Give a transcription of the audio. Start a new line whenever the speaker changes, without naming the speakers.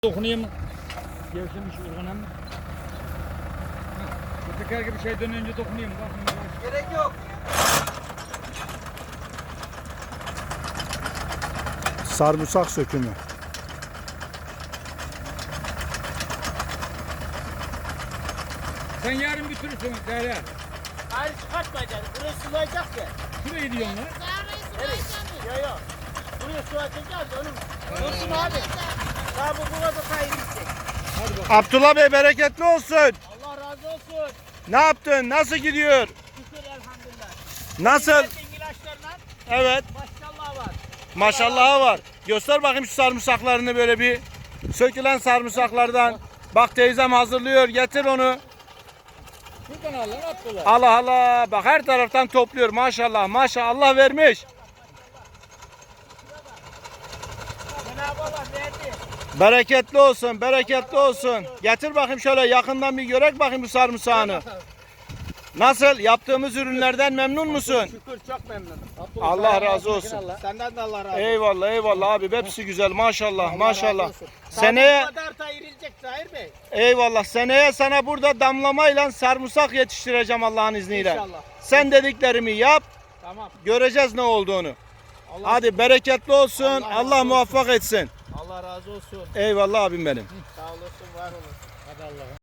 Dokunayım. Gevşemiş urganım. Bu teker gibi şeyden önce dokunayım. Bakın.
Gerek yok.
Sarımsak sökümü.
Sen yarın götürürsün Derya.
Hayır çıkartmayacaksın. Buraya sulayacak ya.
Şurayı diyorsun lan.
Evet. Yok yok. Buraya su atacağız onun. Dursun abi. Daha bu burada kaybedecek.
Hadi bakalım.
Abdullah Bey bereketli olsun.
Allah razı olsun.
Ne yaptın? Nasıl gidiyor?
Şükür elhamdülillah.
Nasıl?
İlaçlarla
Evet.
maşallah var.
Maşallahı var. Göster bakayım şu sarımsaklarını böyle bir. Sökülen sarımsaklardan. Bak teyzem hazırlıyor. Getir onu.
Şuradan al lan Abdullah.
Allah Allah. Bak her taraftan topluyor. Maşallah. Maşallah. Allah vermiş.
Cenab-ı Allah verdi.
Bereketli olsun. Bereketli olsun. Getir bakayım şöyle yakından bir görek bakayım bu sarımsağını. Nasıl? Yaptığımız ürünlerden memnun musun?
Şükür çok memnunum.
Allah razı olsun.
Senden de Allah razı olsun.
Eyvallah eyvallah abi. Hepsi güzel. Maşallah.
Allah
Maşallah.
razı olsun.
Seneye
Bu kadar da irilecek Zahir Bey.
eyvallah. Seneye sana burada damlamayla sarımsak yetiştireceğim Allah'ın izniyle.
İnşallah.
Sen dediklerimi yap.
Tamam.
Göreceğiz ne olduğunu.
Allah,
Hadi bereketli olsun.
Allah razı
Allah
olsun.
muvaffak etsin.
Allah razı olsun.
Eyvallah abim benim.
Sağ olasın, var olun.
Hadi Allah'ım.